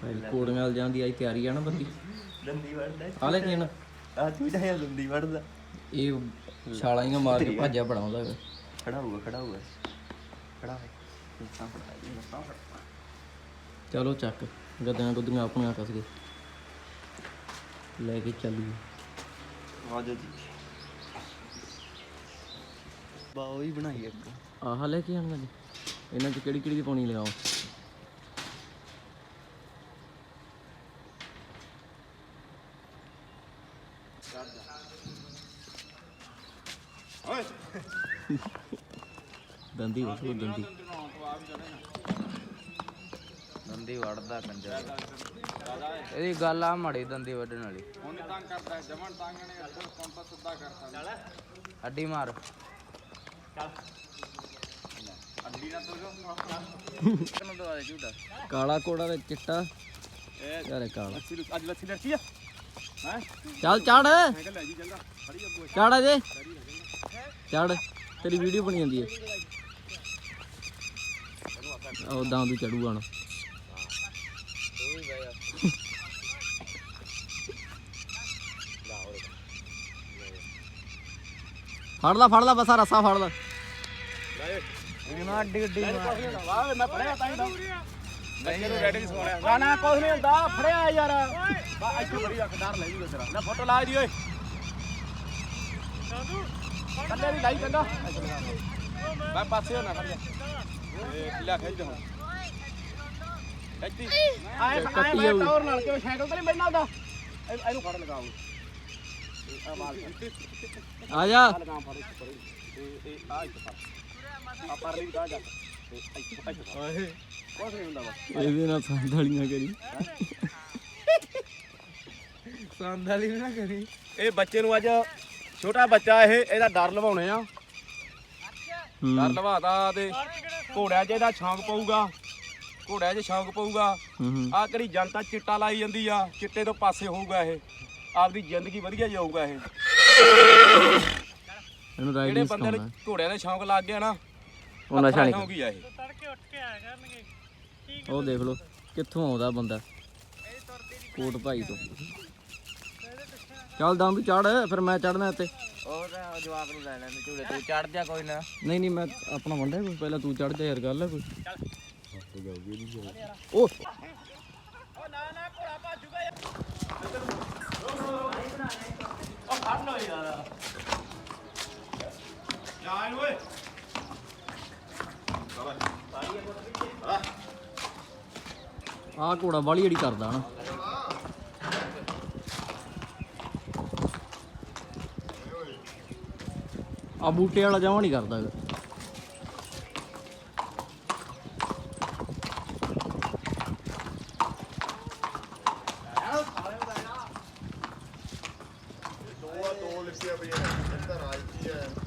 ਕੋੜੀਆਂ ਜਾਣ ਦੀ ਆਈ ਤਿਆਰੀ ਆ ਨਾ ਬੰਦੀ ਦੰਦੀ ਵੜਦਾ ਆ ਲੈ ਕੀ ਨਾ ਆ ਚੂੜਾ ਹੈ ਦੰਦੀ ਵੜਦਾ ਇਹ ਛਾਲਾਂ ਹੀ ਮਾਰ ਕੇ ਭਾਜਾ ਬਣਾਉਂਦਾ ਖੜਾ ਹੋਊਗਾ ਖੜਾ ਹੋ ਚਲੋ ਚੱਕ ਗੱਦਾਂ ਗੁੱਦੀਆਂ ਆਪਣੀਆਂ ਕੱਸ ਕੇ ਲੈ ਕੇ ਚੱਲੀਏ ਆ ਜਾ ਜੀ ਬਾਓ ਹੀ ਬਣਾਈ ਇੱਕ ਆਹ ਲੈ ਕੇ ਆਉਣਾ ਜੀ ਇਹਨਾਂ 'ਚ ਕਿਹੜੀ ਕਿਹੜੀ ਦੀ ਪਾਣੀ ਲਗਾਓ ਦੰਦੀ ਵੜੋ ਦੰਦੀ ਵੜਦਾ ਕੰਜਰ ਇਹਦੀ ਗੱਲ ਆ ਮਾੜੀ ਦੰਦੀ ਵੱਢਣ ਵਾਲੀ ਹੁਣ ਤੰਗ ਕਰਦਾ ਜਮਨ ਤੰਗ ਨੇ ਅੱਧਾ ਕੰਪਾ ਸਿੱਧਾ ਕਰਤਾ ਅੱਡੀ ਮਾਰ ਚੱਲ ਅੱਡੀ ਨਾ ਤੋ ਕਿਨੂੰ ਦਵਾ ਦੇ ਝੂਟਾ ਕਾਲਾ ਕੋੜਾ ਤੇ ਚਿੱਟਾ ਯਾਰੇ ਕਾਲਾ ਅੱਜ ਲੱਥੀ ਲੜਕੀ ਆ ਹੈ ਚੱਲ ਚੜ ਲੈ ਜੀ ਚੰਗਾ ਖੜੀ ਅੱਗੋ ਚੜ ਅਜੇ ਚੜ ਤੇਰੀ ਵੀਡੀਓ ਬਣੀ ਜਾਂਦੀ ਹੈ ਉਦਾਂ ਤੂੰ ਚੜੂਗਾ ਹੁਣ ਫੜ ਲਾ ਬਸਾ ਰਸਾ ਫੜ ਲਾ ਇਹਨਾਂ ਅੱਡੀ ਅੱਡੀ ਵਾਹ ਮੈਂ ਫੜਿਆ ਤਾਂ ਹੀ ਤਾਂ ਬੱਚੇ ਨੂੰ ਰੈਡੀ ਸੋਣਿਆ ਨਾ ਕੁਝ ਨਹੀਂ ਹੁੰਦਾ ਫੜਿਆ ਯਾਰ ਬਾ ਇੱਥੇ ਬੜੀ ਰੱਖ ਡਰ ਲੈ ਜੂਗਾ ਤੇਰਾ ਲੈ ਫੋਟੋ ਲਾ ਦੀ ਓਏ ਕੱਲੇ ਵੀ ਲਾਈ ਚੰਗਾ ਮੈਂ ਪਾਸੇ ਹੋਣਾ ਖੜ ਜਾ ਇਹ ਕਿਲਾ ਖੇਡ ਦੇ ਹੁਣ ਕੱਟੀ ਆਏ ਟਾਵਰ ਨਾਲ ਕਿਉਂ ਸਾਈਕਲ ਤੇ ਨਹੀਂ ਬੈਠਣਾ ਉਹਦਾ ਇਹਨੂੰ ਫੜ ਲਗਾਓ ਆ ਮਾਰ ਆ ਜਾ ਲਗਾ ਫੜ ਇਹ ਆ ਇੱਥੇ ਫੜ ਆ ਪਰ ਲਈ ਕਾ ਜਾ ਓਏ ਕੁਝ ਨਹੀਂ ਹੁੰਦਾ ਬਸ ਇਹਦੇ ਨਾਲ ਸੰਦਾਲੀਆਂ ਕਰੀ ਸੰਦਾਲੀ ਨਾ ਕਰੀ ਇਹ ਬੱਚੇ ਨੂੰ ਅੱਜ ਛੋਟਾ ਬੱਚਾ ਇਹਦਾ ਡਰ ਲਵਾਉਣੇ ਆ ਡਰ ਲਵਾਤਾ ਤੇ ਘੋੜਿਆਂ 'ਚ ਇਹਦਾ ਸ਼ੌਂਕ ਪਊਗਾ ਘੋੜਿਆਂ 'ਚ ਸ਼ੌਂਕ ਪਊਗਾ ਆ ਕਿਹੜੀ ਜਨਤਾ ਚਿੱਟਾ ਲਾਈ ਜਾਂਦੀ ਆ ਚਿੱਟੇ ਤੋਂ ਪਾਸੇ ਹੋਊਗਾ ਇਹ ਆਪਦੀ ਜ਼ਿੰਦਗੀ ਵਧੀਆ ਜਾਊਗਾ ਇਹ ਇਹਨੂੰ ਜਿਹੜੇ ਰਾਈਡਿੰਗ ਬੰਦੇ ਨੂੰ ਘੋੜਿਆਂ ਦਾ ਸ਼ੌਂਕ ਲੱਗ ਗਿਆ ਨਾ ਉਹ ਨਸ਼ਾ ਨਹੀਂ ਸ਼ੌਂਕ ਹੀ ਆ ਇਹ ਤੜਕੇ ਉੱਠ ਕੇ ਆਇਆ ਕਰਨਗੇ ਉਹ ਦੇਖ ਲਓ ਕਿੱਥੋਂ ਆਉਂਦਾ ਬੰਦਾ ਕੋਟ ਭਾਈ ਤੋਂ ਚੱਲ ਦਮ ਵੀ ਚੜ ਫਿਰ ਮੈਂ ਚੜਨਾ ਇੱਥੇ ਉਹ ਤਾਂ ਜਵਾਕ ਨੂੰ ਲੈ ਲੈਣੇ ਝੂਲੇ ਤੂੰ ਚੜ ਜਾ ਕੋਈ ਨਾ ਨਹੀਂ ਮੈਂ ਆਪਣਾ ਵੰਡਿਆ ਕੋਈ ਪਹਿਲਾਂ ਤੂੰ ਚੜ ਜਾ ਯਾਰ ਗੱਲ ਹੈ ਕੋਈ ਉਹ ਨਾ ਘੋੜਾ ਭਾਜੂਗਾ ਯਾਰ ਉਹ ਫੜ ਲੋ ਯਾਰ ਜਾ ਇਹਨੂੰ ਓਏ ਆਹ ਘੋੜਾ ਵਾਲੀ ਜਿਹੜੀ ਕਰਦਾ ਨਾ ਆ ਬੂਟੇ ਵਾਲਾ ਜਮਾ ਨਹੀਂ ਕਰਦਾ ਹੈਗਾ ਦੋ ਲਿਖਿਆ ਪਈਆਂ ਇੱਧਰ ਆ ਕੀ ਹੈ